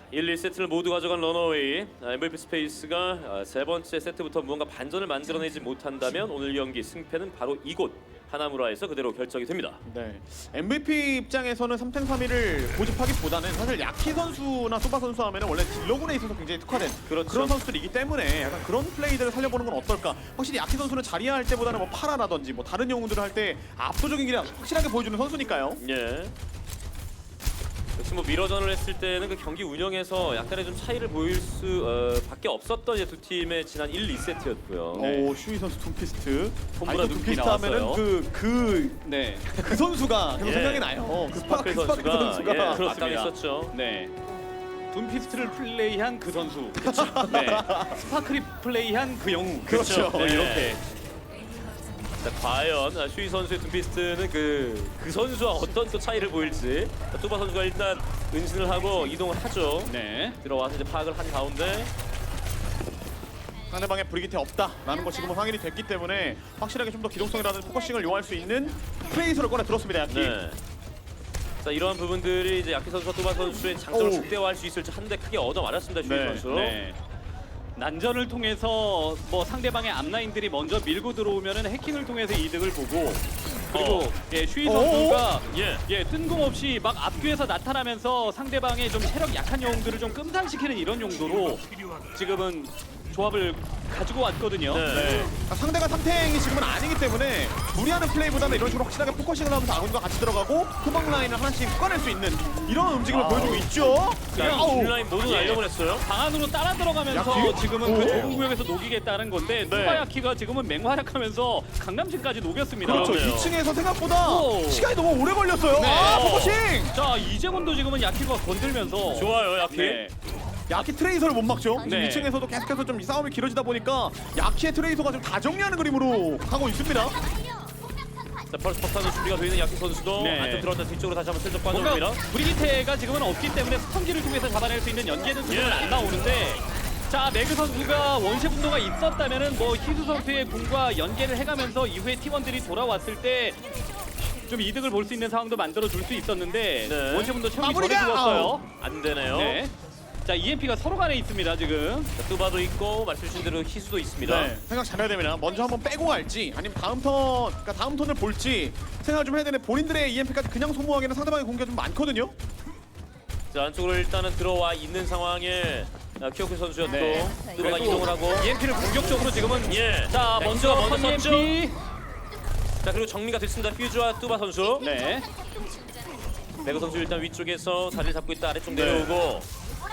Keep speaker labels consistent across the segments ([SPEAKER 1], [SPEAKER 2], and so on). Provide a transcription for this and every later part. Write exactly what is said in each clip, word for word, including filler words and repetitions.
[SPEAKER 1] 일, 이 세트를 모두 가져간 러너웨이. 아, 엠브이피 스페이스가 아, 세 번째 세트부터 무언가 반전을 만들어내지 못한다면 오늘 경기 승패는 바로 이곳 하나무라에서 그대로 결정이 됩니다.
[SPEAKER 2] 네, 엠브이피 입장에서는 삼 탱 삼 일을 고집하기보다는 사실 야키 선수나 소바 선수 하면 원래 딜러군에 있어서 굉장히 특화된
[SPEAKER 1] 그렇죠.
[SPEAKER 2] 그런 선수들이기 때문에 약간 그런 플레이들을 살려보는 건 어떨까. 확실히 야키 선수는 자리야 할 때보다는 뭐 파라라든지 뭐 다른 영웅들을 할 때 압도적인 기량 확실하게 보여주는 선수니까요.
[SPEAKER 1] 예. 역시 뭐 미러전을 했을 때는 그 경기 운영에서 약간의 좀 차이를 보일 수 어, 밖에 없었던 이제 두 팀의 지난 일, 이 세트였고요.
[SPEAKER 3] 네.
[SPEAKER 2] 오, 슈이 선수 둠피스트.
[SPEAKER 3] 톰브라
[SPEAKER 2] 아니,
[SPEAKER 3] 둠피
[SPEAKER 2] 둠피스트 하면은
[SPEAKER 3] 나왔어요.
[SPEAKER 2] 그 그 그
[SPEAKER 3] 네.
[SPEAKER 2] 선수가 계속
[SPEAKER 1] 예.
[SPEAKER 2] 생각이 나요. 그
[SPEAKER 1] 스파클
[SPEAKER 2] 스파크 스파크
[SPEAKER 1] 선수가
[SPEAKER 2] 선수가.
[SPEAKER 1] 예,
[SPEAKER 3] 그렇습니다.
[SPEAKER 1] 맞당했었죠.
[SPEAKER 3] 네. 둠피스트를 플레이한 그 선수. 네. 스파크리 플레이한 그 영웅.
[SPEAKER 2] 그렇죠.
[SPEAKER 3] 네,
[SPEAKER 1] 네.
[SPEAKER 3] 이렇게.
[SPEAKER 1] 자, 과연 아, 슈이 선수의 둠피스트는 그, 그 선수와 어떤 또 차이를 보일지. 자, 뚜바 선수가 일단 은신을 하고 이동을 하죠.
[SPEAKER 3] 네.
[SPEAKER 1] 들어와서 이제 파악을 한 가운데
[SPEAKER 2] 상대방의 브리기테 없다라는 거 지금은 확인이 됐기 때문에 확실하게 좀 더 기동성이라든지 포커싱을 요할 수 있는 플레이서를 꺼내 들었습니다. 야키.
[SPEAKER 1] 네. 자, 이러한 부분들이 이제 야키 선수와 뚜바 선수의 장점을
[SPEAKER 2] 오우.
[SPEAKER 1] 극대화할 수 있을지 한 대 크게 얻어 맞았습니다. 슈이
[SPEAKER 2] 네,
[SPEAKER 1] 선수.
[SPEAKER 3] 네. 난전을 통해서 뭐 상대방의 앞라인들이 먼저 밀고 들어오면은 해킹을 통해서 이득을 보고 그리고
[SPEAKER 1] 어.
[SPEAKER 3] 예, 슈이
[SPEAKER 2] 어?
[SPEAKER 3] 선수가
[SPEAKER 1] 예.
[SPEAKER 3] 예, 뜬금없이 막 앞뒤에서 나타나면서 상대방의 좀 체력 약한 영웅들을 좀 끔상시키는 이런 용도로 지금은 조합을 가지고 왔거든요.
[SPEAKER 1] 네.
[SPEAKER 2] 네. 아, 상대가 삼 탱이 지금은 아니기 때문에 무리하는 플레이보다는 이런 식으로 확실하게 포커싱을 하면서 아군과 같이 들어가고 후방 라인을 하나씩 꺼낼 수 있는 이런 움직임을 보여주고 있죠.
[SPEAKER 1] 자,
[SPEAKER 2] 아우.
[SPEAKER 1] 딜라인 모두
[SPEAKER 3] 예.
[SPEAKER 1] 날려보냈어요.
[SPEAKER 3] 방 안으로 따라 들어가면서
[SPEAKER 2] 야키?
[SPEAKER 3] 지금은
[SPEAKER 2] 오.
[SPEAKER 3] 그 좁은 구역에서 녹이겠다는 건데
[SPEAKER 1] 네.
[SPEAKER 3] 투바야키가 지금은 맹활약하면서 강남진까지 녹였습니다.
[SPEAKER 2] 그렇죠.
[SPEAKER 1] 그러네요.
[SPEAKER 2] 이 층에서 생각보다
[SPEAKER 3] 오.
[SPEAKER 2] 시간이 너무 오래 걸렸어요.
[SPEAKER 3] 네.
[SPEAKER 2] 아, 포커싱!
[SPEAKER 3] 자 이재곤도 지금은 야키가 건들면서
[SPEAKER 1] 좋아요, 야키.
[SPEAKER 3] 네.
[SPEAKER 2] 야키 트레이서를 못 막죠. 지금
[SPEAKER 3] 네.
[SPEAKER 2] 이 층에서도 계속해서 좀 이 싸움이 길어지다 보니까 야키의 트레이서가 좀 다 정리하는 그림으로 가고 있습니다.
[SPEAKER 1] 자, 펄스 폭탄도 준비가 되어 있는 야키 선수도
[SPEAKER 3] 네.
[SPEAKER 1] 안쪽 들어왔다 뒤쪽으로 다시 한번 슬쩍
[SPEAKER 3] 뭔가
[SPEAKER 1] 빠져옵니다.
[SPEAKER 3] 브리기테가 지금은 없기 때문에 스턴기를 통해서 잡아낼 수 있는 연계는 지금은
[SPEAKER 1] 예.
[SPEAKER 3] 안 나오는데 자 매그 선수가 원시 분노가 있었다면은 뭐 희수 선수의 궁과 연계를 해가면서 이후에 팀원들이 돌아왔을 때 좀 이득을 볼 수 있는 상황도 만들어 줄 수 있었는데
[SPEAKER 1] 네.
[SPEAKER 3] 원시 분노 채우기 전에
[SPEAKER 2] 마무리가!
[SPEAKER 3] 죽었어요.
[SPEAKER 1] 안 되네요.
[SPEAKER 3] 네. 자 이엠피가 서로 간에 있습니다 지금.
[SPEAKER 1] 자, 뚜바도 있고 말씀주신 대로 희수도 있습니다.
[SPEAKER 2] 네, 생각 잘해야 됩니다. 먼저 한번 빼고 갈지 아니면 다음 턴, 그러니까 다음 턴을 볼지 생각을 좀 해야 되는데 본인들의 이엠피까지 그냥 소모하기에는 상대방의 공격이 좀 많거든요.
[SPEAKER 1] 자, 안쪽으로 일단은 들어와 있는 상황에 아, 키오크 선수였고
[SPEAKER 3] 네.
[SPEAKER 1] 뚜바가
[SPEAKER 3] 그래도
[SPEAKER 1] 이동을 하고
[SPEAKER 3] 이엠피를 공격적으로 지금은
[SPEAKER 1] 예.
[SPEAKER 3] 자 먼저
[SPEAKER 1] 먼저 썼죠.
[SPEAKER 3] 이엠피.
[SPEAKER 1] 자, 그리고 정리가 됐습니다. 퓨즈와 뚜바 선수.
[SPEAKER 3] 네.
[SPEAKER 1] 매그 선수 일단 위쪽에서 자리를 잡고 있다 아래쪽
[SPEAKER 2] 네.
[SPEAKER 1] 내려오고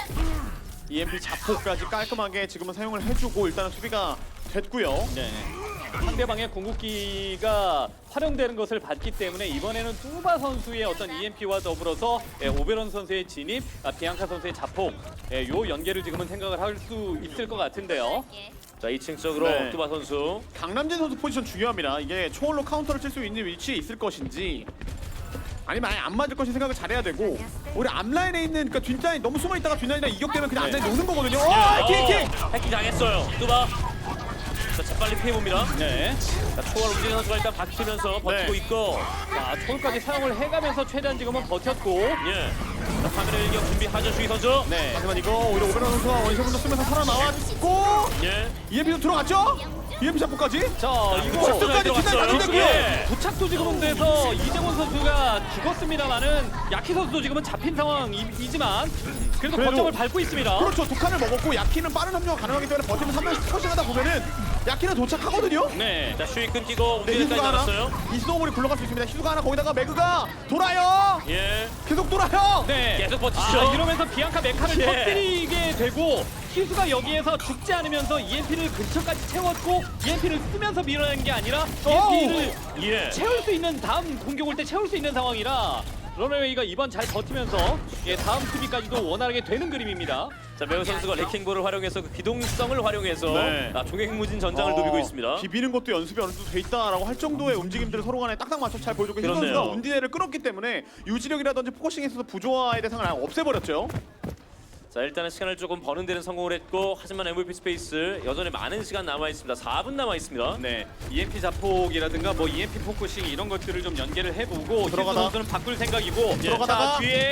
[SPEAKER 2] 이엠피 자폭까지 깔끔하게 지금은 사용을 해주고 일단은 수비가 됐고요.
[SPEAKER 3] 네. 상대방의 궁극기가 활용되는 것을 봤기 때문에 이번에는 뚜바 선수의 어떤 이엠피와 더불어서 예, 오베론 선수의 진입, 아, 비앙카 선수의 자폭, 예, 요 연계를 지금은 생각을 할 수 있을 것 같은데요.
[SPEAKER 1] 자, 이 층 쪽으로
[SPEAKER 2] 네.
[SPEAKER 1] 뚜바 선수.
[SPEAKER 2] 강남진 선수 포지션 중요합니다. 이게 초월로 카운터를 칠 수 있는 위치에 있을 것인지 아니면 아예 안 맞을 것인 생각을 잘해야 되고 우리 앞라인에 있는 그러니까 뒷라인 너무 숨어 있다가 뒷라인이랑 이격되면 그냥 앞라인 노는 거거든요. 어,
[SPEAKER 1] 어,
[SPEAKER 2] 킥 킥.
[SPEAKER 1] 해킹 당했어요. 뚜바. 자, 재빨리 피해봅니다.
[SPEAKER 3] 네.
[SPEAKER 1] 자, 초월 움직이는 선수가 일단 버티면서 버티고
[SPEAKER 2] 네.
[SPEAKER 1] 있고
[SPEAKER 3] 자, 초월까지 사용을 해가면서 최대한 지금은 버텼고.
[SPEAKER 1] 예. 자, 카메라 일격 준비하죠, 슈이 선수.
[SPEAKER 2] 네. 하지만 이거 오히려 오베론 선수가 원샷분도 쓰면서 살아나왔고
[SPEAKER 1] 예.
[SPEAKER 2] 이엠피도 들어갔죠? 이엠피 잡고까지.
[SPEAKER 3] 자, 이거
[SPEAKER 2] 직선까지
[SPEAKER 1] 들어갔어요.
[SPEAKER 2] 뒷라인 가동됐고요.
[SPEAKER 1] 예.
[SPEAKER 3] 도착도 지금은 돼서 이재곤 선수가 죽었습니다만은 야키 선수도 지금은 잡힌 상황이지만 그래도
[SPEAKER 2] 그래도-
[SPEAKER 3] 거점을 밟고 있습니다.
[SPEAKER 2] 그렇죠. 두 칸을 먹었고 야키는 빠른 합류가 가능하기 때문에 버티면서 한 명씩 퍼싱하다 보면은 야키는 도착하거든요.
[SPEAKER 3] 네.
[SPEAKER 1] 자, 슈이 끊기고
[SPEAKER 2] 네,
[SPEAKER 1] 움직이기까지
[SPEAKER 2] 희수가 하나.
[SPEAKER 1] 나왔어요.
[SPEAKER 2] 이 스노우볼이 굴러갈 수 있습니다. 희수가 하나 거기다가 매그가 돌아요.
[SPEAKER 1] 예.
[SPEAKER 2] 계속 돌아요.
[SPEAKER 3] 네.
[SPEAKER 1] 계속 버티죠.
[SPEAKER 3] 아, 이러면서 비앙카 메카를
[SPEAKER 1] 예.
[SPEAKER 3] 터뜨리게 되고 희수가 여기에서 죽지 않으면서 이엠피를 근처까지 채웠고 이엠피를 쓰면서 밀어낸 게 아니라 이엠피를
[SPEAKER 1] 예.
[SPEAKER 3] 채울 수 있는 다음 공격 올 때 채울 수 있는 상황이라 러너웨이가 이번 잘 버티면서 예, 다음 수비까지도 원활하게 되는 그림입니다.
[SPEAKER 1] 자, 매우 선수가 레킹볼을 활용해서 그 기동성을 활용해서
[SPEAKER 2] 네.
[SPEAKER 1] 아, 종횡무진 전장을
[SPEAKER 2] 어,
[SPEAKER 1] 누비고 있습니다.
[SPEAKER 2] 비비는 것도 연습이 어느 정도 돼 있다라고 할 정도의 움직임들을 서로 간에 딱딱 맞춰 잘 보여주고 희수
[SPEAKER 1] 그렇네요.
[SPEAKER 2] 선수가 운디네를 끌었기 때문에 유지력이라든지 포커싱에 있어서 부조화의 대상을 아예 없애버렸죠.
[SPEAKER 1] 자, 일단은 시간을 조금 버는 데는 성공을 했고 하지만 엠브이피 스페이스 여전히 많은 시간 남아 있습니다. 사 분 남아 있습니다.
[SPEAKER 3] 네, 이엠피 자폭이라든가 뭐 이엠피 포커싱 이런 것들을 좀 연계를 해보고
[SPEAKER 2] 들어가다.
[SPEAKER 3] 희수 선수는 바꿀 생각이고
[SPEAKER 2] 들어가다가
[SPEAKER 3] 자, 뒤에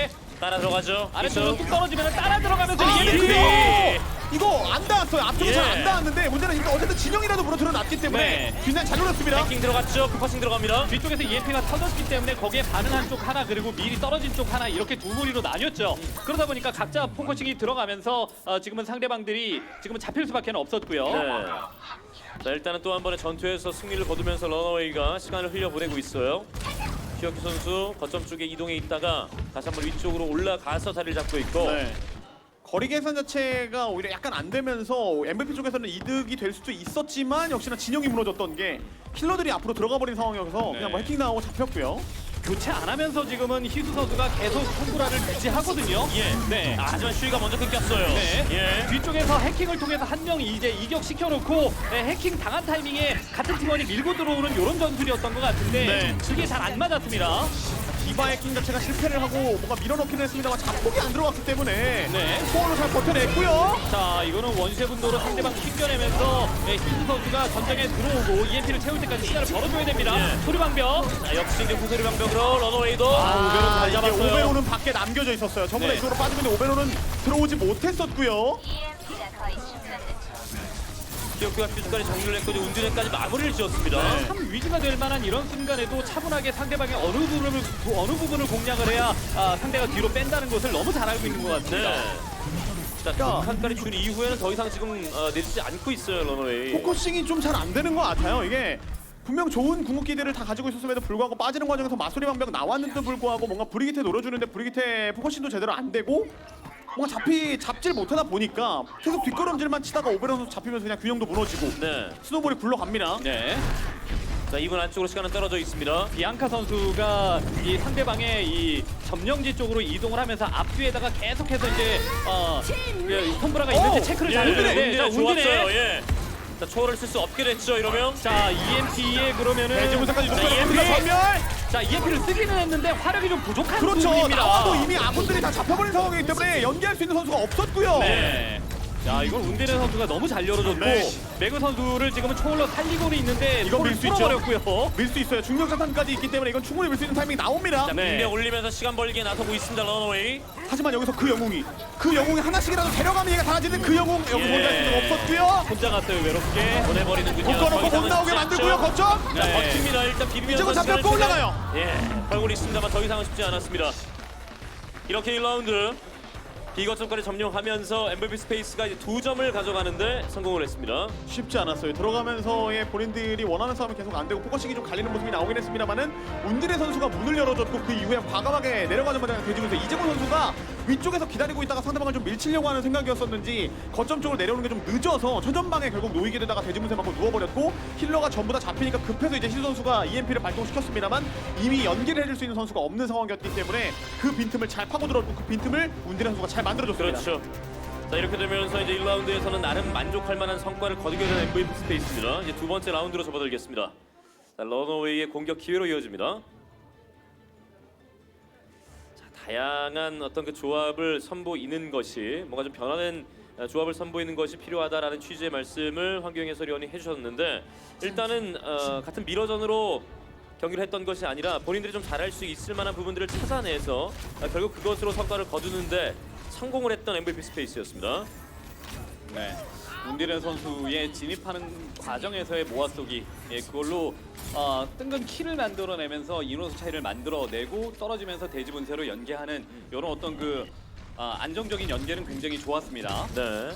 [SPEAKER 1] 따라 들어가죠.
[SPEAKER 3] 아래쪽으로 뚝 떨어지면 따라 들어가면서
[SPEAKER 2] 아,
[SPEAKER 3] 이엠피.
[SPEAKER 2] 그래요? 이거 안 닿았어요. 앞쪽에
[SPEAKER 1] 예.
[SPEAKER 2] 잘 안 닿았는데 문제는 이거 어쨌든 진영이라도 무너뜨려 놨기 때문에
[SPEAKER 3] 네.
[SPEAKER 2] 뒷날 잘 노렸습니다.
[SPEAKER 1] 해킹 들어갔죠. 포커싱 들어갑니다.
[SPEAKER 3] 뒤쪽에서 이엠피가 터졌기 때문에 거기에 반응한 쪽 하나 그리고 미리 떨어진 쪽 하나 이렇게 두 무리로 나뉘었죠. 그러다 보니까 각자 포커싱이 들어가면서 어, 지금은 상대방들이 지금은 잡힐 수밖에 없었고요.
[SPEAKER 1] 네. 자, 일단은 또 한 번의 전투에서 승리를 거두면서 러너웨이가 시간을 흘려보내고 있어요. 기혁기 선수 거점 쪽에 이동해 있다가 다시 한번 위쪽으로 올라가서 자리를 잡고 있고
[SPEAKER 2] 네. 거리 계산 자체가 오히려 약간 안 되면서 엠브이피 쪽에서는 이득이 될 수도 있었지만 역시나 진영이 무너졌던 게 킬러들이 앞으로 들어가 버린 상황이어서
[SPEAKER 3] 네.
[SPEAKER 2] 그냥 뭐 해킹 나오고 잡혔고요.
[SPEAKER 3] 교체 안 하면서 지금은 희수 선수가 계속 콤브라를 유지하거든요.
[SPEAKER 1] 예.
[SPEAKER 3] 네.
[SPEAKER 1] 아, 하지만 슈이가 먼저 끊겼어요.
[SPEAKER 3] 네.
[SPEAKER 1] 예.
[SPEAKER 3] 뒤쪽에서 해킹을 통해서 한 명 이제 이격시켜놓고 네, 해킹 당한 타이밍에 같은 팀원이 밀고 들어오는 이런 전술이었던 것 같은데
[SPEAKER 2] 네.
[SPEAKER 3] 그게 잘 안 맞았습니다.
[SPEAKER 2] 디바 해킹 자체가 실패를 하고 뭔가 밀어넣기는 했습니다만 자폭이 안 들어갔기 때문에
[SPEAKER 3] 네.
[SPEAKER 2] 소원을 잘 버텨냈고요.
[SPEAKER 3] 자, 이거는 원세 분도로 상대방 튕겨내면서 네, 희수 선수가 전장에 들어오고 이엠피를 채울 때까지 시간을 벌어줘야 됩니다.
[SPEAKER 1] 예.
[SPEAKER 3] 소리방벽.
[SPEAKER 1] 자, 역시 이제 후소리 방벽으로 러너웨이도
[SPEAKER 2] 아,
[SPEAKER 1] 오베론 잘
[SPEAKER 2] 이게
[SPEAKER 1] 잡았어요.
[SPEAKER 2] 오베로는 밖에 남겨져 있었어요. 전부 다
[SPEAKER 3] 네.
[SPEAKER 2] 이쪽으로 빠지면 오베로는 들어오지 못했었고요.
[SPEAKER 4] 이엠피가 거의 충전됐죠.
[SPEAKER 1] 기혁기가 퓨즈까지 정리를 했고 이제 운드레까지 마무리를 지었습니다.
[SPEAKER 2] 네.
[SPEAKER 3] 참 위기가 될 만한 이런 순간에도 차분하게 상대방의 어느 부분을 어느 부분을 공략을 해야 아, 상대가 뒤로 뺀다는 것을 너무 잘 알고 있는 것 같습니다.
[SPEAKER 1] 네. 자, 두 칸까지 준 이후에는 더 이상 지금 어, 내리지 않고 있어요, 러너웨이.
[SPEAKER 2] 포커싱이 좀 잘 안 되는 것 같아요. 이게 분명 좋은 궁극기들을 다 가지고 있었음에도 불구하고 빠지는 과정에서 마소리 방벽 나왔는데도 불구하고 뭔가 브리기테 노려주는데 브리기테 포커싱도 제대로 안 되고 뭔가 잡히 잡질 못하다 보니까 계속 뒷걸음질만 치다가 오베론 선수 잡히면서 그냥 균형도 무너지고
[SPEAKER 1] 네.
[SPEAKER 2] 스노볼이 굴러갑니다.
[SPEAKER 3] 네.
[SPEAKER 1] 자, 이분 안쪽으로 시간은 떨어져 있습니다.
[SPEAKER 3] 비앙카 선수가 이 상대방의 이 점령지 쪽으로 이동을 하면서 앞뒤에다가 계속해서 이제 어 그, 콤브라가 있는지
[SPEAKER 2] 오!
[SPEAKER 3] 체크를
[SPEAKER 1] 예,
[SPEAKER 3] 잘 해주는데 자,
[SPEAKER 1] 운드레 좋았어요.
[SPEAKER 3] 운디네.
[SPEAKER 1] 예. 자, 초월을 쓸 수 없게 됐죠, 이러면.
[SPEAKER 3] 자, 이엠피에 그러면은
[SPEAKER 2] 대지문사까지
[SPEAKER 3] 자,
[SPEAKER 2] 높여놓습니다.
[SPEAKER 3] 이엠피.
[SPEAKER 2] 전멸!
[SPEAKER 3] 자, 이엠피를 쓰기는 했는데 화력이 좀 부족한
[SPEAKER 2] 그렇죠.
[SPEAKER 3] 부분입니다.
[SPEAKER 2] 나와도 이미 아군들이 다 잡혀버린 상황이기 때문에 연기할 수 있는 선수가 없었고요.
[SPEAKER 3] 네. 자, 이걸 운데레 선수가 너무 잘 열어줬고
[SPEAKER 2] 네.
[SPEAKER 3] 매그 선수를 지금은 초월로 살리고는 있는데
[SPEAKER 2] 이거 밀수 있죠.
[SPEAKER 3] 풀어버렸고요.
[SPEAKER 2] 밀 수 있어요. 중력자탄까지 있기 때문에 이건 충분히 밀 수 있는 타이밍이 나옵니다.
[SPEAKER 1] 자,
[SPEAKER 3] 네.
[SPEAKER 1] 분명 올리면서 시간 벌기에 나서고 있습니다, 러너웨이.
[SPEAKER 2] 하지만 여기서 그 영웅이 그 영웅이 하나씩이라도 데려가면 얘가 달라지는 그 영웅 여기
[SPEAKER 1] 예.
[SPEAKER 2] 혼자 있을 수는 없었고요.
[SPEAKER 3] 혼자 갔어요, 외롭게.
[SPEAKER 1] 보내버리는군요.
[SPEAKER 2] 묶어놓고
[SPEAKER 1] 더
[SPEAKER 2] 못
[SPEAKER 1] 이상은
[SPEAKER 2] 나오게
[SPEAKER 1] 쉽지
[SPEAKER 2] 만들고요.
[SPEAKER 1] 않죠.
[SPEAKER 2] 거점.
[SPEAKER 1] 자,
[SPEAKER 3] 네.
[SPEAKER 1] 버팁니다. 일단 비비면서
[SPEAKER 2] 이쪽은 잡혔고
[SPEAKER 1] 시간을
[SPEAKER 2] 올라가요.
[SPEAKER 1] 최대한, 예, 벌고 있습니다만 더 이상은 쉽지 않았습니다. 이렇게 일 라운드 비거점까지 점령하면서 엠브이피 스페이스가 이제 두 점을 가져가는데 성공을 했습니다.
[SPEAKER 2] 쉽지 않았어요. 들어가면서의 본인들이 원하는 싸움이 계속 안 되고 포커싱이 좀 갈리는 모습이 나오긴 했습니다만은 운디네 선수가 문을 열어줬고 그 이후에 과감하게 내려가는 마당에 대지면서 이재곤 선수가 위쪽에서 기다리고 있다가 상대방을 좀 밀치려고 하는 생각이었었는지 거점 쪽으로 내려오는 게 좀 늦어서 최전방에 결국 놓이게 되다가 대지문세 맞고 누워버렸고 힐러가 전부 다 잡히니까 급해서 이제 힐 선수가 이엠피를 발동시켰습니다만 이미 연기를 해줄 수 있는 선수가 없는 상황이었기 때문에 그 빈틈을 잘 파고들었고 그 빈틈을 운디네 선수가 잘 만들어줬습니다.
[SPEAKER 1] 그렇죠. 자, 이렇게 되면서 이제 일 라운드에서는 나름 만족할 만한 성과를 거두게 된 엠브이피 스페이스입니다. 이제 두 번째 라운드로 접어들겠습니다. 자, 러너웨이의 공격 기회로 이어집니다. 자, 다양한 어떤 그 조합을 선보이는 것이 뭔가 좀 변화된 조합을 선보이는 것이 필요하다라는 취지의 말씀을 황교영 해설위원이 해주셨는데 일단은 어, 같은 미러전으로 경기를 했던 것이 아니라 본인들이 좀 잘할 수 있을 만한 부분들을 찾아내서 아, 결국 그것으로 성과를 거두는데 성공을 했던 엠브이피 스페이스였습니다.
[SPEAKER 3] 네. 운디렌 선수의 진입하는 과정에서의 모아쏘기 예, 그걸로 어, 뜬금 키를 만들어내면서 인원수 차이를 만들어내고 떨어지면서 대지분쇄로 연계하는 이런 어떤 그 어, 안정적인 연계는 굉장히 좋았습니다.
[SPEAKER 1] 네.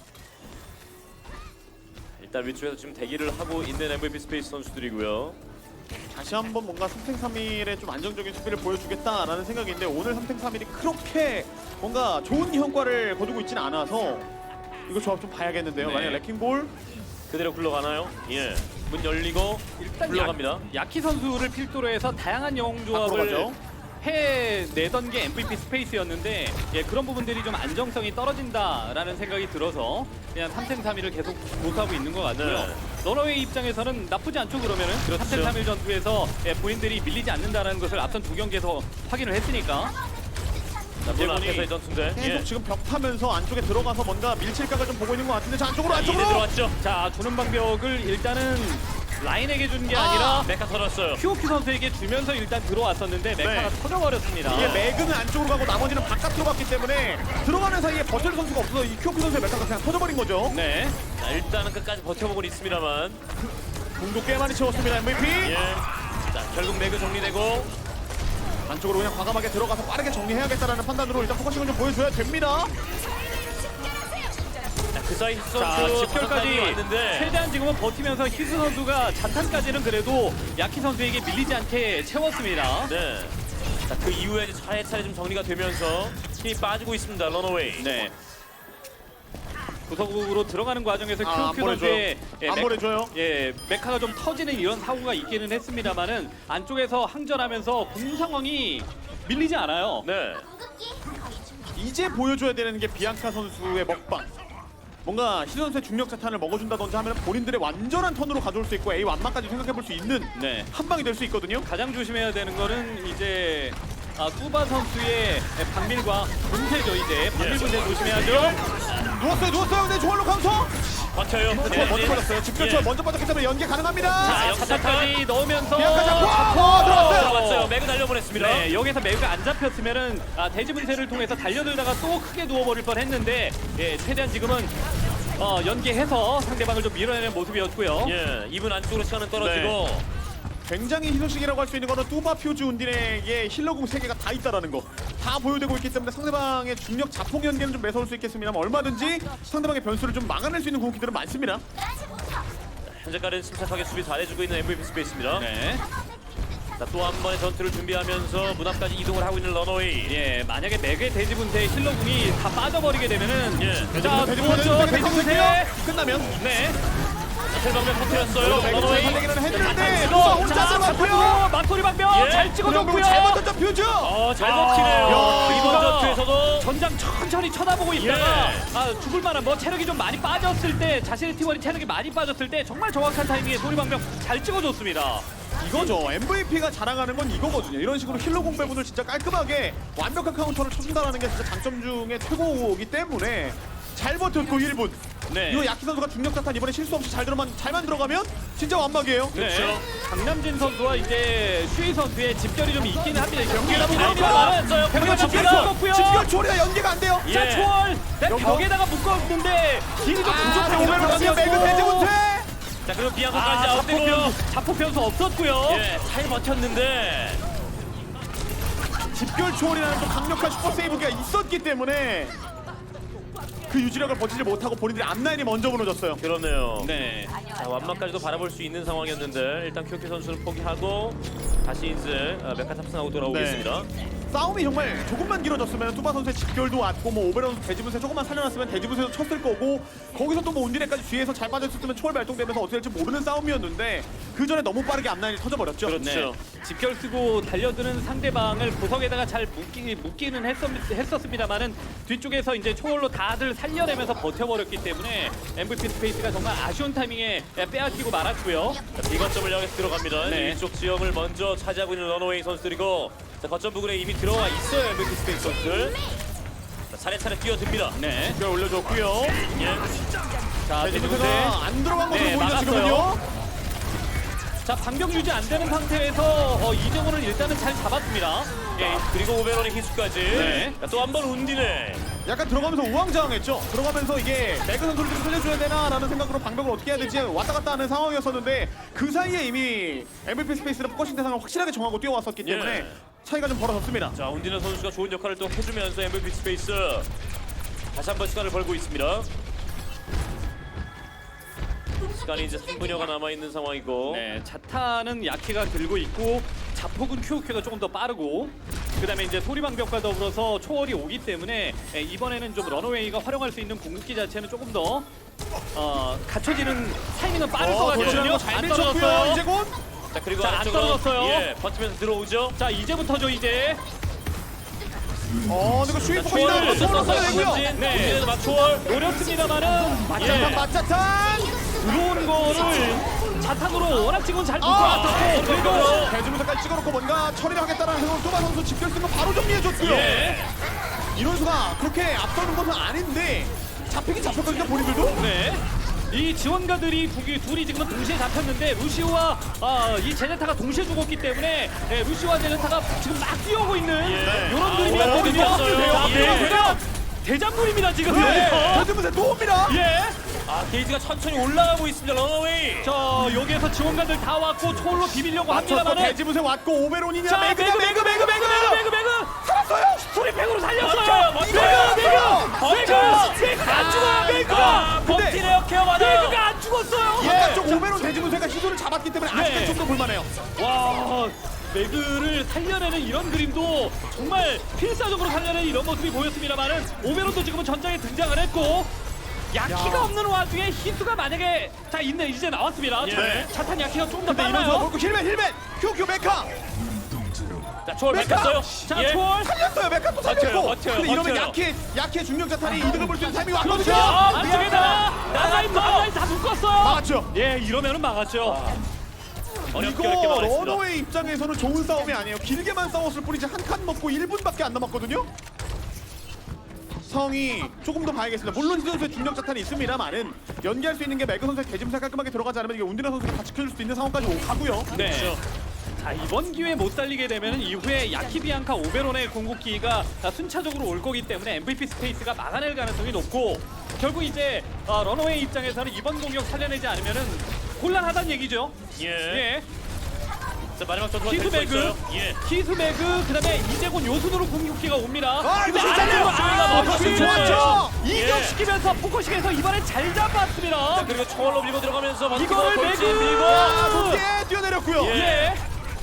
[SPEAKER 1] 일단 위쪽에서 지금 대기를 하고 있는 엠브이피 스페이스 선수들이고요.
[SPEAKER 2] 다시 한번 뭔가 삼 탱 삼 일의 좀 안정적인 수비를 보여주겠다라는 생각인데 오늘 삼 탱 삼 일이 그렇게 뭔가 좋은 성과를 거두고 있지는 않아서 이거 조합 좀 봐야겠는데요.
[SPEAKER 3] 네.
[SPEAKER 2] 만약 레킹볼
[SPEAKER 1] 그대로 굴러가나요? 예. 문 열리고
[SPEAKER 3] 일단
[SPEAKER 1] 굴러갑니다.
[SPEAKER 3] 야, 야키 선수를 필두로 해서 다양한 영웅
[SPEAKER 2] 밖으로
[SPEAKER 3] 조합을
[SPEAKER 2] 가죠.
[SPEAKER 3] 해내던 게 엠브이피 스페이스였는데 예, 그런 부분들이 좀 안정성이 떨어진다라는 생각이 들어서 그냥 삼 탱 삼 일을 계속 못하고 있는 것 같고요.
[SPEAKER 1] 네.
[SPEAKER 3] 러너웨이 입장에서는 나쁘지 않죠. 그러면은
[SPEAKER 1] 그렇죠.
[SPEAKER 3] 삼 탱 삼 일 전투에서 예, 본인들이 밀리지 않는다는 것을 앞선 두 경기에서 확인을 했으니까
[SPEAKER 1] 자, 문
[SPEAKER 3] 이제
[SPEAKER 1] 앞에서의
[SPEAKER 3] 보니-
[SPEAKER 1] 전투인데.
[SPEAKER 2] 계속
[SPEAKER 1] 예.
[SPEAKER 2] 지금 벽 타면서 안쪽에 들어가서 뭔가 밀칠 각을 좀 보고 있는 것 같은데 자 안쪽으로
[SPEAKER 1] 자, 이대
[SPEAKER 2] 안쪽으로
[SPEAKER 1] 들어왔죠.
[SPEAKER 3] 자 주는 방벽을 일단은 라인에게 준 게
[SPEAKER 2] 아!
[SPEAKER 3] 아니라
[SPEAKER 1] 메카 털었어요.
[SPEAKER 3] 큐오큐 선수에게 주면서 일단 들어왔었는데 메카가
[SPEAKER 2] 네.
[SPEAKER 3] 터져버렸습니다.
[SPEAKER 2] 이게 맥은 안쪽으로 가고 나머지는 바깥으로 갔기 때문에 들어가는 사이에 버틸 선수가 없어서 이 큐오큐 선수의 메타가 그냥 터져버린 거죠.
[SPEAKER 3] 네.
[SPEAKER 1] 자, 일단은 끝까지 버텨보고 있습니다만.
[SPEAKER 2] 공도 꽤 많이 채웠습니다. 엠브이피.
[SPEAKER 1] 예. 자, 결국 매그 정리되고.
[SPEAKER 2] 안쪽으로 그냥 과감하게 들어가서 빠르게 정리해야겠다라는 판단으로 일단 포커싱을 좀 보여줘야 됩니다.
[SPEAKER 1] 자, 그 사이 히스
[SPEAKER 3] 자,
[SPEAKER 1] 선수
[SPEAKER 3] 집결까지
[SPEAKER 1] 왔는데.
[SPEAKER 3] 최대한 지금은 버티면서 히스 선수가 자탄까지는 그래도 야키 선수에게 밀리지 않게 채웠습니다.
[SPEAKER 1] 네. 자, 그 이후에 이제 차례차례 좀 정리가 되면서 힘이 빠지고 있습니다. 런어웨이.
[SPEAKER 3] 네. 구석으로 들어가는 과정에서
[SPEAKER 2] 아, 안
[SPEAKER 3] 큐오큐 선수의 예,
[SPEAKER 2] 안
[SPEAKER 3] 메-
[SPEAKER 2] 보내줘요.
[SPEAKER 3] 예, 메카가 좀 터지는 이런 사고가 있기는 했습니다만은 안쪽에서 항전하면서 공 상황이 밀리지 않아요.
[SPEAKER 1] 네.
[SPEAKER 2] 이제 보여줘야 되는 게 비앙카 선수의 먹방. 뭔가 시 선수의 중력 자탄을 먹어준다든지 하면 본인들의 완전한 턴으로 가져올 수 있고 A 완막까지 생각해볼 수 있는
[SPEAKER 3] 네.
[SPEAKER 2] 한 방이 될 수 있거든요.
[SPEAKER 3] 가장 조심해야 되는 거는 이제 아, 뚜바 선수의 박밀과 분쇄죠. 이제 박밀 분쇄 조심해야죠.
[SPEAKER 2] 누웠어요, 누웠어요. 근데 조얼로 카운터.
[SPEAKER 1] 버텨요.
[SPEAKER 2] 네, 먼저 빠졌어요. 집결처
[SPEAKER 1] 예.
[SPEAKER 2] 먼저 빠졌기 때문에 연계 가능합니다.
[SPEAKER 3] 자,
[SPEAKER 1] 역시
[SPEAKER 3] 차타까지 넣으면서
[SPEAKER 2] 비앙카 잡고
[SPEAKER 3] 잡고
[SPEAKER 2] 어, 들어갔어요.
[SPEAKER 1] 들어갔어요. 매그 달려보냈습니다.
[SPEAKER 3] 네, 여기서 매우가 안 잡혔으면은 아, 대지 분쇄를 통해서 달려들다가 또 크게 누워버릴 뻔했는데 예, 최대한 지금은 어, 연계해서 상대방을 좀 밀어내는 모습이었고요.
[SPEAKER 1] 예, 이분 안쪽으로 시간은 떨어지고.
[SPEAKER 2] 굉장히 희소식이라고 할 수 있는 거는 뚜바 퓨즈 운딘에게 힐러궁 세 개가 다 있다라는 거 다 보여되고 있기 때문에 상대방의 중력 자폭 연계는 좀 매서울 수 있겠습니다만 얼마든지 상대방의 변수를 좀 막아낼 수 있는 궁극기들은 많습니다.
[SPEAKER 1] 현재까지는 침착하게 수비 잘해주고 있는 엠브이피 스페이스입니다.
[SPEAKER 3] 네.
[SPEAKER 1] 자, 또 한 번의 전투를 준비하면서 문 앞까지 이동을 하고 있는 런어웨이.
[SPEAKER 3] 예, 만약에 맥의 대지 분쇄 힐러궁이 다 빠져버리게 되면은
[SPEAKER 1] 예.
[SPEAKER 3] 자,
[SPEAKER 2] 돼지
[SPEAKER 3] 누웠죠.
[SPEAKER 2] 분쇄,
[SPEAKER 3] 대지
[SPEAKER 2] 돼지
[SPEAKER 3] 분쇄.
[SPEAKER 2] 분쇄 끝나면
[SPEAKER 3] 네.
[SPEAKER 1] 셀방면 터뜨렸어요.
[SPEAKER 2] 맥을
[SPEAKER 1] 런어웨이.
[SPEAKER 2] 살리기는 했는데
[SPEAKER 3] 자,
[SPEAKER 2] 누가 혼자 들어갔고요.
[SPEAKER 3] 잡았고요. 막소리 방면
[SPEAKER 1] 예.
[SPEAKER 3] 잘 찍어줬고요.
[SPEAKER 2] 잘못 던져 퓨즈.
[SPEAKER 1] 어, 잘
[SPEAKER 3] 아,
[SPEAKER 1] 먹히네요.
[SPEAKER 2] 야,
[SPEAKER 1] 이번
[SPEAKER 3] 이거
[SPEAKER 1] 전투에서도.
[SPEAKER 3] 전장 천천히 쳐다보고 있다가
[SPEAKER 1] 예.
[SPEAKER 3] 아, 죽을 만한 뭐 체력이 좀 많이 빠졌을 때 자신의 팀원이 체력이 많이 빠졌을 때 정말 정확한 타이밍에 소리방병 잘 찍어줬습니다.
[SPEAKER 2] 이거죠. 엠브이피가 자랑하는 건 이거거든요. 이런 식으로 힐러 공배분을 진짜 깔끔하게 완벽한 카운터를 쳐준다는 게 진짜 장점 중에 최고이기 때문에 잘 버텼고 일 분.
[SPEAKER 3] 네.
[SPEAKER 2] 이거 야키 선수가 중력 자탄 이번에 실수 없이 잘 들어만 잘만 들어가면 진짜 완막이에요.
[SPEAKER 3] 네. 강남진 선수와 이제 슈이 선수의 집결이 좀 있기는 합니다. 경기가
[SPEAKER 2] 잘
[SPEAKER 3] 들어갑니다만
[SPEAKER 1] 들어갔어요.
[SPEAKER 3] 병력
[SPEAKER 1] 집결
[SPEAKER 3] 집결
[SPEAKER 1] 초-
[SPEAKER 3] 묶었고요.
[SPEAKER 2] 집결 초리가 연계가 안 돼요.
[SPEAKER 3] 자,
[SPEAKER 1] 예.
[SPEAKER 3] 초월 네,
[SPEAKER 2] 여기서?
[SPEAKER 3] 벽에다가 묶었는데 딜이 좀
[SPEAKER 2] 아,
[SPEAKER 3] 부족하게
[SPEAKER 2] 오메로 가면 매그
[SPEAKER 3] 들어갔고.
[SPEAKER 2] 대지 못해.
[SPEAKER 1] 자, 그리고
[SPEAKER 3] 아,
[SPEAKER 1] 비앙카까지
[SPEAKER 3] 자폭
[SPEAKER 1] 아웃되고.
[SPEAKER 3] 변수, 자폭 변수 없었고요.
[SPEAKER 1] 예, 잘 버텼는데.
[SPEAKER 2] 집결 초월이라는 또 강력한 슈퍼 세이브가 있었기 때문에 그 유지력을 버티지 못하고 본인들이 앞라인이 먼저 무너졌어요.
[SPEAKER 1] 그러네요.
[SPEAKER 3] 네.
[SPEAKER 1] 자, 완막까지도 바라볼 수 있는 상황이었는데 일단 큐오큐 선수는 포기하고 다시 이제 어, 메카 탑승하고 돌아오겠습니다.
[SPEAKER 2] 싸움이 정말 조금만 길어졌으면 뚜바 선수의 집결도 왔고 뭐 오베론 선수 대지분세 조금만 살려놨으면 대지분세도 쳤을 거고 거기서 또 뭐 온디네까지 뒤에서 잘 빠졌으면 초월 발동되면서 어떻게 될지 모르는 싸움이었는데 그 전에 너무 빠르게 앞라인이 터져버렸죠.
[SPEAKER 1] 그렇죠.
[SPEAKER 3] 네. 집결 쓰고 달려드는 상대방을 구석에다가 잘 묶기, 묶기는 했었, 했었습니다만은 뒤쪽에서 이제 초월로 다들 살려내면서 버텨버렸기 때문에 엠브이피 스페이스가 정말 아쉬운 타이밍에 빼앗기고 말았고요.
[SPEAKER 1] 자, 비거점을 향해서 들어갑니다.
[SPEAKER 3] 네.
[SPEAKER 1] 이쪽 지형을 먼저 차지하고 있는 런어웨이 선수들이고 자, 거점 부근에 이미 들어와 있어요. 엠브이피 스페이스 선수들. 자, 차례차례 뛰어듭니다.
[SPEAKER 3] 네.
[SPEAKER 2] 집결 올려줬고요.
[SPEAKER 1] 예.
[SPEAKER 3] 자, 대지분세.
[SPEAKER 2] 대지분세가 안 들어간 것으로
[SPEAKER 3] 네,
[SPEAKER 2] 보이죠
[SPEAKER 3] 막았어요.
[SPEAKER 2] 지금은요.
[SPEAKER 3] 자, 방벽 유지 안 되는 상태에서 어, 이정호를 일단은 잘 잡았습니다.
[SPEAKER 1] 예. 그리고 오베론의 희수까지.
[SPEAKER 3] 네.
[SPEAKER 1] 또 한 번 운디네.
[SPEAKER 2] 약간 들어가면서 우왕좌왕했죠. 들어가면서 이게 매그 선수를 좀 살려줘야 되나라는 생각으로 방벽을 어떻게 해야 될지 왔다 갔다 하는 상황이었었는데 그 사이에 이미 엠브이피 스페이스는 포커싱 대상을 확실하게 정하고 뛰어왔었기 때문에
[SPEAKER 1] 예.
[SPEAKER 2] 차이가 좀 벌어졌습니다.
[SPEAKER 1] 자, 운디네 선수가 좋은 역할을 또 해주면서 엠브이피 스페이스 다시 한번 시간을 벌고 있습니다. 시간이 이제 삼 분여가 남아있는 상황이고
[SPEAKER 3] 네, 자타는 야키가 들고 있고 자폭은 큐오큐가 조금 더 빠르고 그 다음에 이제 소리방벽과 더불어서 초월이 오기 때문에 예, 이번에는 좀 런어웨이가 활용할 수 있는 궁극기 자체는 조금 더 어, 갖춰지는 타이밍은 빠를 것
[SPEAKER 2] 어, 도전하는
[SPEAKER 3] 같거든요.
[SPEAKER 2] 거잘
[SPEAKER 3] 안
[SPEAKER 2] 밀쳤고요.
[SPEAKER 3] 떨어졌어요.
[SPEAKER 2] 이제 곧.
[SPEAKER 1] 자, 그리고
[SPEAKER 3] 자, 안
[SPEAKER 1] 안쪽으로
[SPEAKER 3] 떨어졌어요.
[SPEAKER 1] 예, 버티면서 들어오죠.
[SPEAKER 3] 자, 이제부터죠 이제.
[SPEAKER 2] 어, 근데 슈이
[SPEAKER 1] 자,
[SPEAKER 2] 포커싱
[SPEAKER 1] 초월
[SPEAKER 2] 나오고 초월
[SPEAKER 1] 썼어요.
[SPEAKER 2] 써야 되고요.
[SPEAKER 1] 김남진.
[SPEAKER 3] 네.
[SPEAKER 1] 운디네도 막 초월.
[SPEAKER 3] 어렵습니다만은
[SPEAKER 2] 맞자탄
[SPEAKER 3] 예,
[SPEAKER 2] 맞자탄.
[SPEAKER 3] 들어오는 거를 자탄으로 워낙 지금 잘 묶어
[SPEAKER 2] 아,
[SPEAKER 3] 놨었고 그리고
[SPEAKER 2] 대지부터까지 찍어놓고 뭔가 처리를 하겠다는 생각으로 뚜바 선수 집결 쓴 거 바로 정리해줬고요.
[SPEAKER 3] 예.
[SPEAKER 2] 이런 수가 그렇게 앞서는 것은 아닌데 잡히긴 잡혔거든요 본인들도.
[SPEAKER 3] 네. 이 지원가들이 두, 개- 둘이 지금 동시에 잡혔는데 루시오와 아, 이 제네타가 동시에 죽었기 때문에 네, 루시오와 제네타가 지금 막 뛰어오고 있는
[SPEAKER 1] 예.
[SPEAKER 3] 이런
[SPEAKER 1] 아,
[SPEAKER 3] 그림이었거든요.
[SPEAKER 1] 어, 됐어요.
[SPEAKER 3] 자,
[SPEAKER 1] 예.
[SPEAKER 3] 대장, 대장군입니다 지금.
[SPEAKER 2] 네.
[SPEAKER 3] 여기서.
[SPEAKER 2] 대지분세 또 옵니다.
[SPEAKER 3] 예.
[SPEAKER 1] 아 게이지가 천천히 올라가고 있습니다. 런어웨이.
[SPEAKER 3] 자 여기에서 지원가들 다 왔고 초월로 비비려고
[SPEAKER 2] 맞췄고
[SPEAKER 3] 합니다만은
[SPEAKER 2] 대지분세 왔고 오베론이냐
[SPEAKER 3] 자
[SPEAKER 2] 매그
[SPEAKER 3] 매그
[SPEAKER 2] 매그
[SPEAKER 3] 매그 매그 매그 매그 매그
[SPEAKER 2] 살았어요.
[SPEAKER 3] 스토리팩으로 살렸어요.
[SPEAKER 1] 멋져요, 멋져요.
[SPEAKER 3] 매그 매그
[SPEAKER 1] 멋져요.
[SPEAKER 3] 매그 매그가 안 죽어요. 매그가
[SPEAKER 1] 아,
[SPEAKER 2] 근데-
[SPEAKER 1] 범티네어 케어 받아요.
[SPEAKER 3] 매그가 안 죽었어요.
[SPEAKER 2] 바깥쪽 오베론 대지분세가 시도를 잡았기 때문에 아직까지
[SPEAKER 3] 네.
[SPEAKER 2] 좀 더 볼만해요.
[SPEAKER 3] 와 매그를 살려내는 이런 그림도 정말 필사적으로 살려내는 이런 모습이 보였습니다만은 오베론도 지금은 전장에 등장을 했고 야키가
[SPEAKER 2] 야.
[SPEAKER 3] 없는 와중에 히수가 만약에 자 있네 이제 나왔습니다.
[SPEAKER 1] 예.
[SPEAKER 3] 차- 차탄 야키가 좀 더
[SPEAKER 2] 근데 이러면서
[SPEAKER 3] 빨라요.
[SPEAKER 2] 먹고 힐맨 힐맨 큐큐 메카
[SPEAKER 1] 자 초월
[SPEAKER 2] 메카!
[SPEAKER 1] 뺏겼어요.
[SPEAKER 3] 자
[SPEAKER 1] 예.
[SPEAKER 3] 초월
[SPEAKER 2] 살렸어요. 메카 또 살렸고.
[SPEAKER 1] 버텨요, 버텨요,
[SPEAKER 2] 근데 이러면
[SPEAKER 1] 버텨요.
[SPEAKER 2] 야키 야키의 중력 자탄이 이득을 볼 수 있는 타이밍이
[SPEAKER 3] 그렇죠.
[SPEAKER 2] 왔거든요.
[SPEAKER 3] 안쪽에다가 나가인 나가인 다 묶었어요.
[SPEAKER 2] 막았죠.
[SPEAKER 3] 예 이러면은 막았죠.
[SPEAKER 1] 어렵게
[SPEAKER 2] 이거
[SPEAKER 1] 어렵게 막았습니다.
[SPEAKER 2] 러너웨이 입장에서는 좋은 싸움이 아니에요. 길게만 싸웠을 뿐이지 한 칸 먹고 일 분밖에 안 남았거든요. 성이 조금 더 봐야겠습니다. 물론 이 선수의 중력 자탄이 있습니다만은 연기할 수 있는 게 매그 선수의 대짐사 깔끔하게 들어가지 않으면 이게 운디나 선수가 다 지켜줄 수 있는 상황까지 오- 가고요.
[SPEAKER 3] 네.
[SPEAKER 1] 그렇죠.
[SPEAKER 3] 자 이번 기회에 못 살리게 되면 이후에 야키비앙카 오베론의 궁극기가 순차적으로 올 거기 때문에 엠브이피 스페이스가 막아낼 가능성이 높고 결국 이제 어, 런어웨이 입장에서는 이번 공격 살려내지 않으면은 곤란하다는 얘기죠.
[SPEAKER 1] 예.
[SPEAKER 3] 예.
[SPEAKER 1] 자 마지막 전투가
[SPEAKER 3] 키스
[SPEAKER 1] 될수
[SPEAKER 3] 매그,
[SPEAKER 1] 있어요. 예.
[SPEAKER 3] 키스 매그, 그다음에 이제곤 요순으로 궁극기가 옵니다.
[SPEAKER 2] 아,
[SPEAKER 3] 근데
[SPEAKER 2] 이거
[SPEAKER 3] 아래로
[SPEAKER 2] 진짜요?
[SPEAKER 3] 아,
[SPEAKER 1] 포커싱
[SPEAKER 3] 포커싱
[SPEAKER 2] 좋았죠?
[SPEAKER 3] 이격시키면서 포커싱에서 이번엔 잘 잡았습니다.
[SPEAKER 1] 자 그리고 초월로 밀고 들어가면서 버티고
[SPEAKER 3] 이거를
[SPEAKER 1] 돌진
[SPEAKER 3] 매그!
[SPEAKER 1] 밀고.
[SPEAKER 2] 아, 높게 뛰어내렸고요.
[SPEAKER 1] 예.
[SPEAKER 3] 예.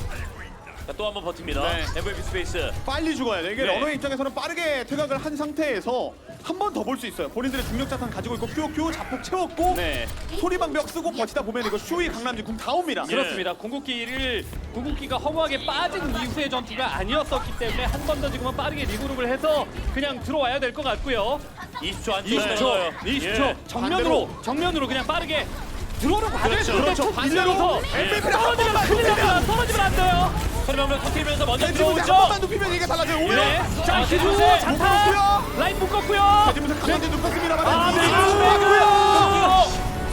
[SPEAKER 1] 자, 또 한 번 버팁니다.
[SPEAKER 2] 네.
[SPEAKER 1] 엠브이피 스페이스.
[SPEAKER 2] 빨리 죽어야 돼. 이게
[SPEAKER 1] 네.
[SPEAKER 2] 러너웨이 입장에서는 빠르게 퇴각을 한 상태에서 한 번 더 볼 수 있어요. 본인들의 중력 자탄 가지고 있고 큐큐 자폭 채웠고
[SPEAKER 3] 네.
[SPEAKER 2] 소리방벽 쓰고 버티다 보면 이거 슈이 강남지 궁 다 옵니다.
[SPEAKER 1] 예.
[SPEAKER 3] 그렇습니다. 궁극기를 궁극기가 허무하게 빠진 이후의 전투가 아니었었기 때문에 한 번 더 지금은 빠르게 리그룹을 해서 그냥 들어와야 될 것 같고요.
[SPEAKER 1] 이십 초 안쪽에
[SPEAKER 3] 이십 초, 이십 초
[SPEAKER 1] 예.
[SPEAKER 3] 정면으로 정면으로 그냥 빠르게 들어오는 과정에서
[SPEAKER 1] 그렇죠.
[SPEAKER 3] 근데
[SPEAKER 2] 그렇죠.
[SPEAKER 3] 툭
[SPEAKER 2] 반대로
[SPEAKER 3] 밀려서
[SPEAKER 2] 엠브이피를 한
[SPEAKER 3] 떨어지면
[SPEAKER 2] 번만
[SPEAKER 3] 큰일 납니다.
[SPEAKER 2] 눕히면
[SPEAKER 3] 떨어지면 안 돼요.
[SPEAKER 1] 소리방벽 터뜨리면서 먼저
[SPEAKER 2] 대지분세 한
[SPEAKER 1] 들어오죠.
[SPEAKER 2] 번만 눕히면 이게 달라져요. 오히려
[SPEAKER 3] 네. 자,
[SPEAKER 1] 아,
[SPEAKER 3] 기수
[SPEAKER 1] 대지분세
[SPEAKER 3] 장타
[SPEAKER 2] 묶었고요.
[SPEAKER 3] 라인 묶었고요.
[SPEAKER 2] 대지분세 강남지 눕혔습니다만
[SPEAKER 3] 아,
[SPEAKER 2] 이게
[SPEAKER 3] 네.
[SPEAKER 2] 들어왔고요.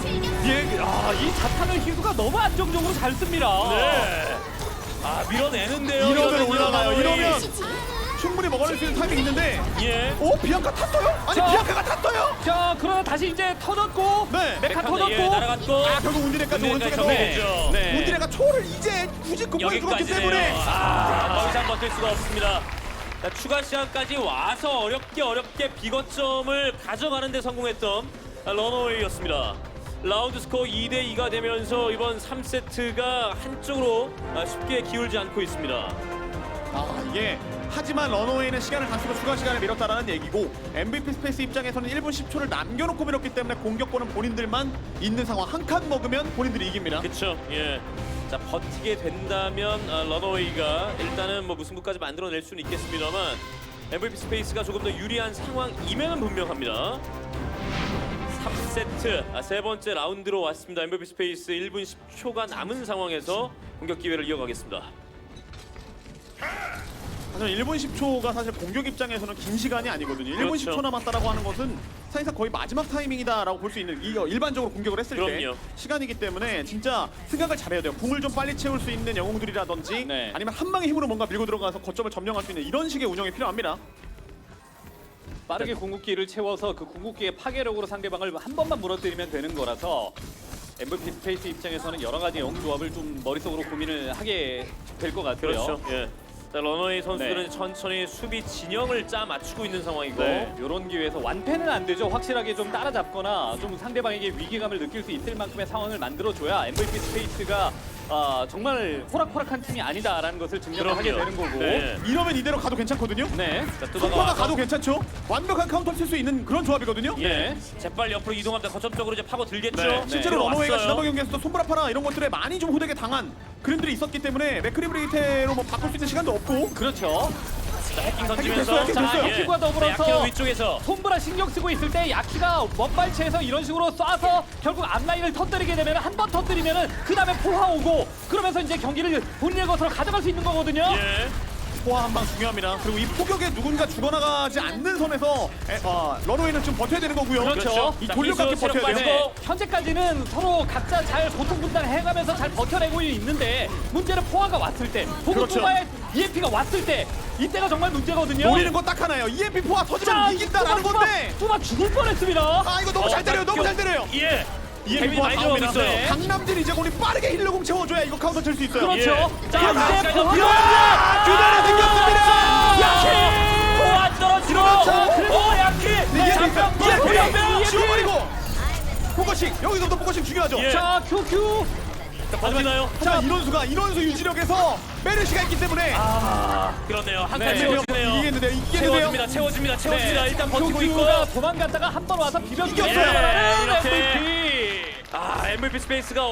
[SPEAKER 3] 예, 아, 이 자탄을 희수가 너무 안정적으로 잘 씁니다.
[SPEAKER 1] 네. 아 밀어내는데요.
[SPEAKER 2] 이러면
[SPEAKER 1] 이러면
[SPEAKER 2] 올라가요.
[SPEAKER 1] 러너웨이.
[SPEAKER 2] 이러면 충분히 먹어낼 수 있는 타이밍이 있는데
[SPEAKER 1] 예.
[SPEAKER 2] 오 비앙카 탔어요? 아니
[SPEAKER 3] 자.
[SPEAKER 2] 비앙카가 탔어요?
[SPEAKER 3] 자, 그러나 다시 이제 터졌고
[SPEAKER 2] 네.
[SPEAKER 3] 메카 터졌고
[SPEAKER 1] 예, 날아갔고.
[SPEAKER 2] 아 결국 운디네까지
[SPEAKER 1] 운디네까지
[SPEAKER 2] 오른쪽에서
[SPEAKER 1] 정리되죠.
[SPEAKER 3] 네.
[SPEAKER 2] 운디네가 초를 이제 굳이 극복해 죽었기
[SPEAKER 1] 여기까지네요.
[SPEAKER 2] 때문에
[SPEAKER 1] 아, 더 이상 버틸 수가 없습니다. 자, 추가 시간까지 와서 어렵게 어렵게 비거점을 가져가는 데 성공했던 러너웨이였습니다. 라운드 스코어 이 대 이가 되면서 이번 삼 세트가 한쪽으로 아, 쉽게 기울지 않고 있습니다.
[SPEAKER 2] 아 이게 하지만 러너웨이는 시간을 다 쓰고 추가 시간을 밀었다라는 얘기고 엠브이피 스페이스 입장에서는 일 분 십 초를 남겨놓고 밀었기 때문에 공격권은 본인들만 있는 상황 한 칸 먹으면 본인들이 이깁니다.
[SPEAKER 1] 그렇죠. 예. 자 버티게 된다면 아, 러너웨이가 일단은 뭐 무승부까지 만들어낼 수는 있겠습니다만 엠브이피 스페이스가 조금 더 유리한 상황임에는 분명합니다. 삼 세트 아, 세 번째 라운드로 왔습니다. 엠브이피 스페이스 일 분 십 초가 남은 상황에서 공격 기회를 이어가겠습니다.
[SPEAKER 2] 사실 일 분 십 초가 사실 공격 입장에서는 긴 시간이 아니거든요. 일 분
[SPEAKER 1] 그렇죠.
[SPEAKER 2] 십 초 남았다라고 하는 것은 사실상 거의 마지막 타이밍이다라고 볼 수 있는 이 어, 일반적으로 공격을 했을
[SPEAKER 1] 그럼요.
[SPEAKER 2] 때 시간이기 때문에 진짜 생각을 잘해야 돼요. 궁을 좀 빨리 채울 수 있는 영웅들이라든지
[SPEAKER 3] 네.
[SPEAKER 2] 아니면 한 방의 힘으로 뭔가 밀고 들어가서 거점을 점령할 수 있는 이런 식의 운영이 필요합니다.
[SPEAKER 3] 빠르게 궁극기를 채워서 그 궁극기의 파괴력으로 상대방을 한 번만 무너뜨리면 되는 거라서 엠브이피 스페이스 입장에서는 여러 가지 영 조합을 좀 머릿속으로 고민을 하게 될 것 같고요.
[SPEAKER 1] 그렇죠. 예. 자 러너웨이 선수들은
[SPEAKER 3] 네.
[SPEAKER 1] 천천히 수비 진영을 짜 맞추고 있는 상황이고
[SPEAKER 3] 네, 이런 기회에서 완패는 안 되죠. 확실하게 좀 따라잡거나 좀 상대방에게 위기감을 느낄 수 있을 만큼의 상황을 만들어줘야 엠브이피 스페이스가 아, 정말 호락호락한 팀이 아니다라는 것을 증명을 하게
[SPEAKER 1] 그럼요.
[SPEAKER 3] 되는 거고.
[SPEAKER 1] 네.
[SPEAKER 2] 이러면 이대로 가도 괜찮거든요.
[SPEAKER 3] 네.
[SPEAKER 1] 자
[SPEAKER 2] 속파가
[SPEAKER 1] 뜯어가서
[SPEAKER 2] 가도 괜찮죠. 완벽한 카운터 칠 수 있는 그런 조합이거든요.
[SPEAKER 1] 예. 재빨리 옆으로 이동합니다. 거점 쪽으로 이제 파고 들겠죠.
[SPEAKER 2] 네, 실제로
[SPEAKER 1] 네.
[SPEAKER 2] 러너웨이가
[SPEAKER 1] 왔어요.
[SPEAKER 2] 지난번 경기에서도 손브라파라 이런 것들에 많이 좀 호되게 당한 그림들이 있었기 때문에 맥크리브레이테로 뭐 바꿀 수 있는 시간도 없고
[SPEAKER 3] 그렇죠.
[SPEAKER 1] 자, 해킹
[SPEAKER 2] 됐어요,
[SPEAKER 1] 던지면서
[SPEAKER 2] 해킹
[SPEAKER 1] 자,
[SPEAKER 2] 됐어요.
[SPEAKER 1] 예.
[SPEAKER 3] 해킹과 더불어서
[SPEAKER 1] 자, 야키는 위쪽에서
[SPEAKER 3] 손브라 신경 쓰고 있을 때 야키가 원발체에서 이런 식으로 쏴서 결국 앞라인을 터뜨리게 되면 한 번 터뜨리면은 그 다음에 포화 오고 그러면서 이제 경기를 본인의 것으로 가져갈 수 있는 거거든요.
[SPEAKER 1] 예.
[SPEAKER 2] 포화 한 방 중요합니다. 그리고 이 포격에 누군가 죽어나가지 않는 선에서 에, 어, 런웨이는 좀 버텨야 되는 거고요.
[SPEAKER 3] 그렇죠.
[SPEAKER 2] 이
[SPEAKER 1] 자,
[SPEAKER 2] 돌려깎기
[SPEAKER 1] 기수 체력
[SPEAKER 2] 버텨야 돼요.
[SPEAKER 1] 빠지고.
[SPEAKER 3] 네, 현재까지는 서로 각자 잘 고통 분담해가면서 잘 버텨내고 있는데 문제는 포화가 왔을 때 혹은
[SPEAKER 2] 그렇죠.
[SPEAKER 3] 뚜바의 이엠피가 왔을 때 이때가 정말 문제거든요.
[SPEAKER 2] 노리는 건 딱 하나예요. 이엠피 포화 터지면 이긴다라는
[SPEAKER 3] 뚜바,
[SPEAKER 2] 건데.
[SPEAKER 3] 뚜바 죽을 뻔했습니다.
[SPEAKER 2] 아 이거 너무
[SPEAKER 1] 어,
[SPEAKER 2] 잘 때려요. 너무
[SPEAKER 1] 겨-
[SPEAKER 2] 잘 때려요.
[SPEAKER 1] 예.
[SPEAKER 2] 이엠피
[SPEAKER 1] 데뷔
[SPEAKER 2] 포화
[SPEAKER 1] 많이
[SPEAKER 2] 나옵니다.
[SPEAKER 1] 들어오고 있어요.
[SPEAKER 2] 강남진 이제 우리 빠르게 힐러공 채워줘야 이거 카운터 칠 수 있어요.
[SPEAKER 3] 그렇죠.
[SPEAKER 1] 예.
[SPEAKER 3] 자,
[SPEAKER 1] 자,
[SPEAKER 3] 이제
[SPEAKER 1] 자,
[SPEAKER 3] 포화가
[SPEAKER 1] 자,
[SPEAKER 2] 규단이 생겼습니다.
[SPEAKER 1] 야키! 포화 떨어지고!
[SPEAKER 2] 그렇죠.
[SPEAKER 1] 오, 야키!
[SPEAKER 2] 이엠피
[SPEAKER 1] 장병, 장병, 장병!
[SPEAKER 2] 지워버리고. 포커싱 여기서부터 포커싱 중요하죠.
[SPEAKER 1] 예.
[SPEAKER 3] 자, 큐큐.
[SPEAKER 1] 자, 버티나요?
[SPEAKER 2] 자 이론수가 이론수 유지력에서 메르시가 있기 때문에
[SPEAKER 1] 아, 그렇네요. 한 칸
[SPEAKER 3] 네.
[SPEAKER 1] 채워지네요.
[SPEAKER 2] 이기겠는데요. 이기겠는데요.
[SPEAKER 1] 채워집니다. 채워집니다. 채워집니다. 일단 버티고 있고.
[SPEAKER 3] 큐큐가 도망갔다가 한 번 와서 비벼주고
[SPEAKER 2] 이겼어요.
[SPEAKER 1] 네, 이렇게.
[SPEAKER 3] 엠브이피.
[SPEAKER 1] 아, 엠브이피 스페이스가